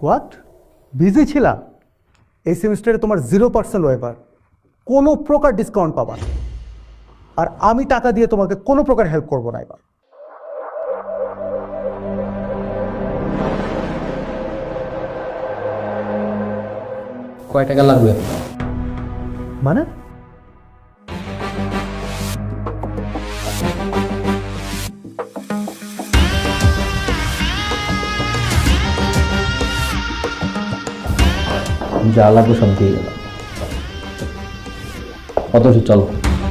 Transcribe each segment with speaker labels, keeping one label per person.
Speaker 1: What, busy ছিলা? এই সেমিস্টারে তোমার 0% ওয়েভার, কোনো প্রকার ডিসকাউন্ট পাবা না। আর আমি টাকা দিয়ে তোমাকে কোনো প্রকার হেল্প করবো না এবার।
Speaker 2: কয় টাকা লাগবে?
Speaker 1: মানে
Speaker 2: যা লাগবে সব দিয়ে গেলাম। কত চলো।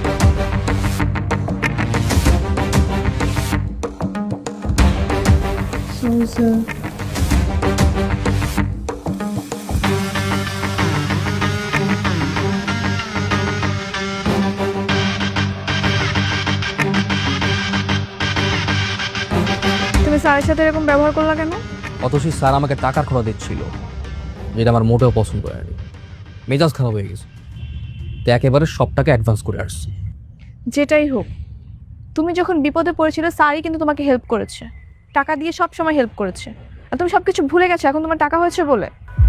Speaker 3: তুমি স্যারের সাথে এরকম ব্যবহার করলা কেন?
Speaker 4: অথচ স্যার আমাকে টাকার খরচ দিচ্ছিল, যেটা আমার মোটেও পছন্দ করে না। মেজাজ খারাপ হয়ে গেছে, তো একেবারে সব টাকা অ্যাডভান্স করে আসছি।
Speaker 3: যেটাই হোক, তুমি যখন বিপদে পড়েছিলে স্যারই কিন্তু তোমাকে হেল্প করেছে, টাকা দিয়ে সব সময় হেল্প করেছে। আর তুমি সবকিছু ভুলে গেছো এখন তোমার টাকা হয়েছে বলে।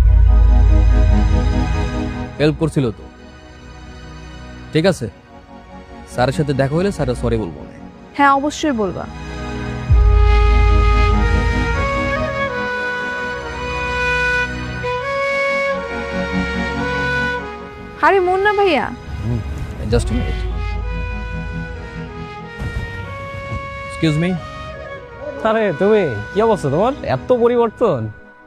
Speaker 4: হেল্প করছিল তো, ঠিক আছে। স্যারের সাথে দেখা হলে স্যার সরি বলবো না।
Speaker 3: হ্যাঁ, অবশ্যই বলবা। আরে মুন্না ভাইয়া,
Speaker 4: জাস্ট মিনিট, এক্সকিউজ মি।
Speaker 2: আরে তুমি কি অবস্থা তোমার? এত পরিবর্তন।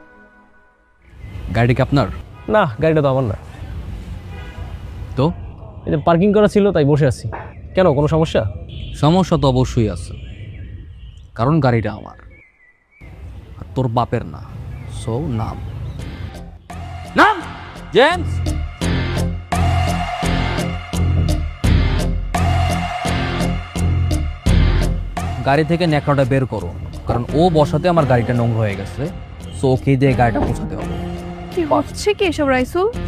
Speaker 4: গাড়ি কি আপনার?
Speaker 2: না, গাড়িটা তো আমার না।
Speaker 4: তো
Speaker 2: এই যে পার্কিং করা ছিল তাই বসে আছি। কেন, কোনো সমস্যা?
Speaker 4: সমস্যা তো অবশ্যই আছে, কারণ গাড়িটা আমার আর তোর বাপের না। সো নাম নাম জেমস। গাড়ি থেকে ন্যাকড়াটা বের করো, কারণ ও বসাতে আমার গাড়িটা নোংরা হয়ে গেছে। সো ওকে দিয়ে গাড়িটা পৌঁছাতে হবে।
Speaker 3: কি হচ্ছে কি এসব রাইসুল?